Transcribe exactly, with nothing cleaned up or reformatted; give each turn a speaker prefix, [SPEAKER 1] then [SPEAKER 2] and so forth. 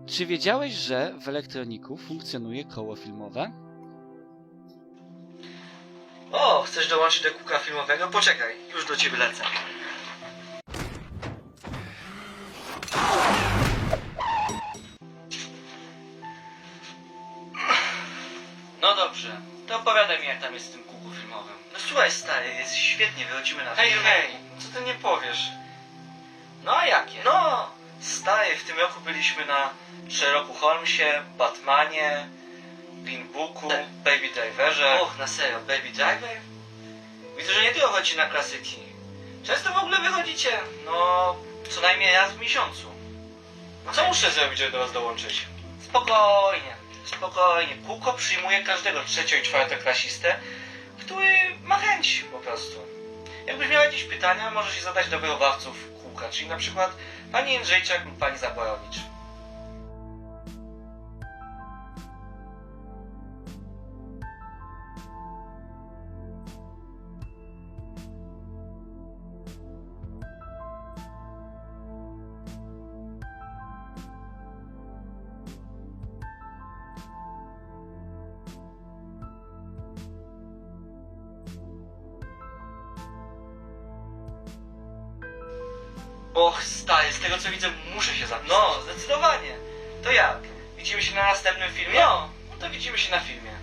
[SPEAKER 1] Czy wiedziałeś, że w elektroniku funkcjonuje koło filmowe?
[SPEAKER 2] O, chcesz dołączyć do kółka filmowego? Poczekaj, już do ciebie lecę. No dobrze, to opowiadaj mi, jak tam jest z tym kółku filmowym. No słuchaj stary, jest świetnie, wychodzimy na
[SPEAKER 3] Hej,
[SPEAKER 2] film.
[SPEAKER 3] hej, co ty nie powiesz? No a jakie?
[SPEAKER 2] No, stary, w tym roku byliśmy na Sherlocku Holmesie, Batmanie, Green Booku, Baby Driverze.
[SPEAKER 3] Och, na serio, Baby Driver?
[SPEAKER 2] Widzę, że nie tylko chodzi na klasyki. Często w ogóle wychodzicie, no, co najmniej raz w miesiącu.
[SPEAKER 3] Co muszę zrobić, żeby do was dołączyć?
[SPEAKER 2] Spokojnie, spokojnie. Kółko przyjmuje każdego trzecio- i czwartoklasistę, który ma chęć po prostu. Jakbyś miał jakieś pytania, możesz je zadać do wychowawców kółka, czyli na przykład pani Jędrzejczak lub pani Zaborowicz.
[SPEAKER 3] Och, stary, z tego co widzę, muszę się zapisać.
[SPEAKER 2] No, zdecydowanie. To jak? Widzimy się na następnym filmie?
[SPEAKER 3] No, no to widzimy się na filmie.